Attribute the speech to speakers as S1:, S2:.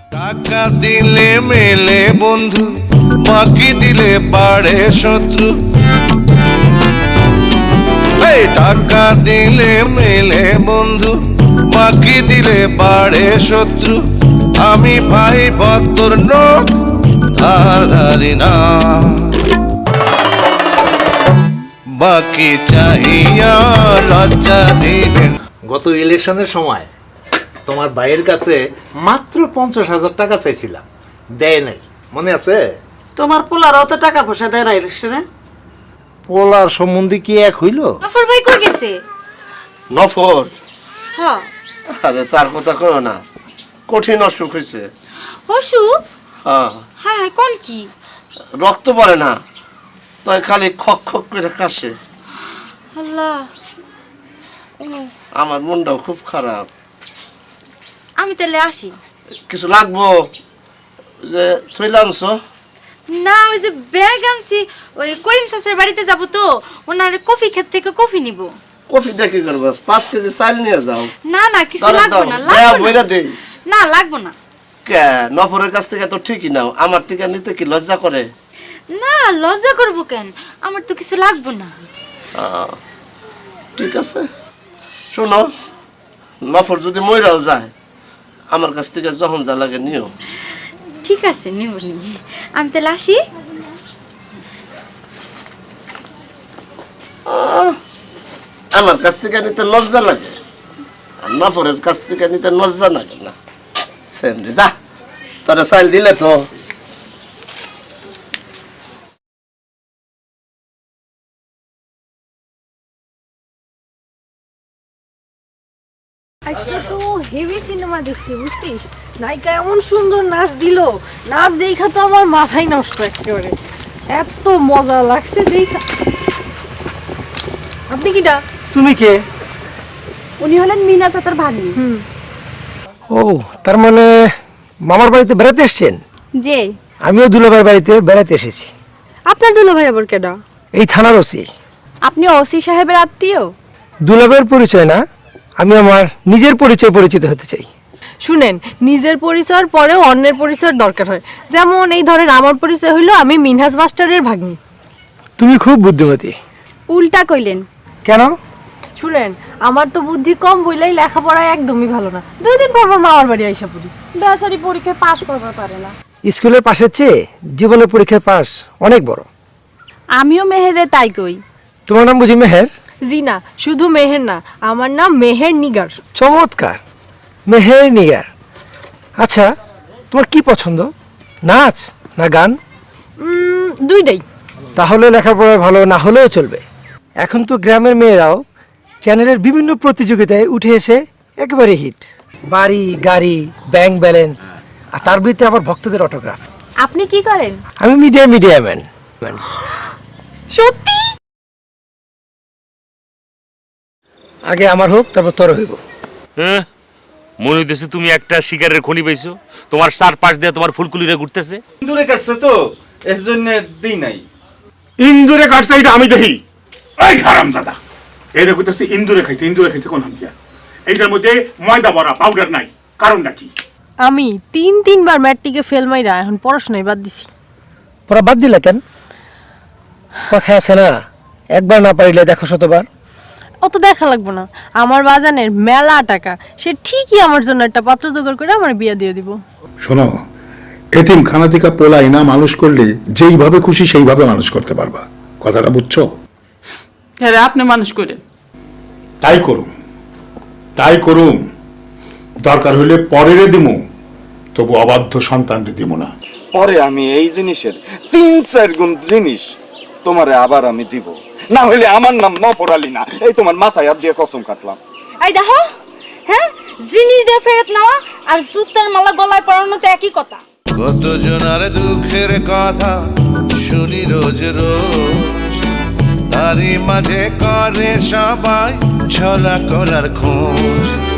S1: টাকা দিলে মেলে বন্ধু, বাকি দিলে বাড়ে শত্রু। এই টাকা দিলে মেলে বন্ধু, বাকি দিলে বাড়ে শত্রু। আমি ভাই ভদ্র লোক, ধার ধারি না, বাকি চাহিয়া লজ্জা দিবেন।
S2: গত ইলেকশনের সময় তোমার ভাইয়ের কাছে মাত্র 50,000 টাকা চাইছিলাম, দেয় নাই, মনে আছে?
S3: তোমার পোলার অত টাকা পয়সা দেয় না ইলেকশনে।
S2: পোলার সম্বন্ধে কি এক হইল?
S4: নফর ভাই কই গেছে?
S5: নফর?
S4: হ্যাঁ।
S5: আরে তার কথা কও না, কঠিন অসুখ হয়েছে।
S4: অসুখ?
S5: হ্যাঁ।
S4: হ্যাঁ, কোন কি?
S5: রক্ত পড়ে না, তাই খালি খক খক করে কাশে।
S4: আল্লাহ,
S5: আমার মনটাও খুব খারাপ।
S4: আমি তাহলে আসি।
S5: কিছু লাগবো যে থইলে আনছো?
S4: না, ওই যে ব্যাগ আনছি, ওই করিম চাচার বাড়িতে যাব তো, ওনার কফি ক্ষেত থেকে কফি নিব।
S5: কফি দেখি করবো, 5 কেজি চাল নিয়ে যাও।
S4: না না, কিছু
S5: দাও,
S4: লাগবে
S5: দাও,
S4: না,
S5: দেয়া
S4: লাগবে
S5: বইরা
S4: না।
S5: দেই।
S4: না, লাগবে না।
S5: কে নফরের কাছ থেকে তো ঠিকই নাও, আমার থেকে নিতে কি লজ্জা করে?
S4: না, লজ্জা করব কেন? আমার তো কিছু লাগবে না।
S5: ঠিক আছে, শোনো, নফর যদি মইরাও যায়, আমার কাছ থেকে যখন যা লাগে নিও।
S4: ঠিক আছে, নিব নি। আমি তাহলে আসি।
S5: আমার কাছ থেকে নিতে লজ্জা লাগে, আর নফরের কাছ থেকে নিতে লজ্জা লাগে না। সেম রে, যা তোরা চাইল দিলে তো।
S6: আজকে তো হেভি সিনেমা দেখছি, বুঝছিস? নায়িকা এমন সুন্দর নাচ দিল, নাচ দেখা তো আমার মাথাই নষ্ট একেবারে। এত মজা লাগছে দেখা। আপনি কিটা?
S7: তুমি কে?
S6: উনি হলেন মিনা চাচার ভাগ্নি।
S7: ও, তার মানে মামার বাড়িতে বেড়াতে এসেছেন?
S6: যে
S7: আমিও দুলাভাইয়ের বাড়িতে বেড়াতে এসেছি।
S6: আপনার দুলাভাই আবার কেডা?
S7: এই থানার ওসি।
S6: আপনি ওসি সাহেবের আত্মীয়?
S7: দুলাভাইয়ের পরিচয় না, আমি আমার নিজের পরিচয় পরিচিত হতে চাই।
S6: শুনেন, নিজের পরিচয়ের পরেও অন্যের পরিচয়ের দরকার হয়। যেমন এই ধরেন, আমার পরিচয় হইলো আমি মিনহাজ মাস্টারের ভাগ্নি।
S7: তুমি খুব বুদ্ধিমতী।
S6: উল্টা কইলেন
S7: কেন?
S6: শুনেন, আমার তো বুদ্ধি কম বইলাই লেখাপড়ায় একদমই ভালো না। 2 দিন পর মামার বাড়ি আইসা পড়ি, বেচারি পরীক্ষায় পাশ করতে পারে না।
S7: স্কুলের পাশের চেয়ে জীবনের পরীক্ষায় পাস অনেক বড়।
S6: আমিও মেহেরে তাই কই।
S7: তোমার নাম বুঝি মেহের?
S6: জি না, শুধু মেহের না, আমার নাম মেহের নিগার।
S7: চমৎকার, মেহের নিগার। আচ্ছা, তোমার কি পছন্দ, নাচ না গান?
S6: দুইটাই।
S7: তাহলে লেখাপড়ায় ভালো না হলেও চলবে। এখন তো গ্রামের মেয়েরাও চ্যানেলের বিভিন্ন প্রতিযোগিতায় উঠে এসে একেবারে হিট। বাড়ি, গাড়ি, ব্যাংক ব্যালেন্স, আর তার ভিতরে আবার ভক্তদের অটোগ্রাফ।
S6: আপনি কি করেন?
S7: আমি মিডিয়া ম্যান।
S6: সত্যি?
S7: আগে আমার হোক, তারপর তোর হইব।
S8: হ্যাঁ, মনে হইতেছে তুমি একটা শিকারের খনি পাইছো। তোমার 4 পাশ দিয়ে তোমার ফুলকুলিরে ঘুরতেছে।
S9: ইন্দুরে কাটছে তো, এর জন্য দিই নাই।
S10: ইন্দুরে কাটছে এটা আমি দেখি। এই হারামজাদা, এরে কইতাছে ইন্দুরে খাইছে কোন হামদিয়া? এইটার মধ্যে ময়দা ভরা, পাউডার নাই, কারণটা কি?
S6: আমি 3বার ম্যাট্রিকে ফেল মাইরা এখন পড়াশোনায় বাদ দিছি।
S7: পড়া বাদ দিলা কেন? কথা আছে না, একবার না পারিলে দেখো শতবার।
S6: অত দেখা লাগবো না, আমার বাজানের মেলা টাকা, সে ঠিকই আমার জন্য একটা পাত্র জোগাড় করে আমার বিয়ে দিয়ে দিব।
S10: শোনো, এতিম খানা থেকে পোলাই না মানুষ করলে যেইভাবে খুশি সেইভাবে মানুষ করতে পারবা, কথাটা বুঝছো?
S3: হ্যাঁ, আপনি মানুষ করেন।
S10: তাই করুম, দরকার হইলে পরেরে দিমু, তবু অবাধ্য সন্তানরে দিব না।
S9: পরে আমি এই জিনিসের 3-4 গুণ জিনিস তোমারে আবার আমি দিব, না হইলে আমার নাম নফর আলী না। এই তোমার মাথায় হাত দিয়ে কসম কাটলাম।
S4: এই দেখো, হ্যাঁ, জিনিস দিয়ে ফেরত নেওয়া আর জুতার মালা গলায় পরানো তো একই কথা।
S1: কতজনার দুঃখের কথা শুনি রোজ রোজ, তারই মাঝে করে সবাই ছলা করার খোঁজ।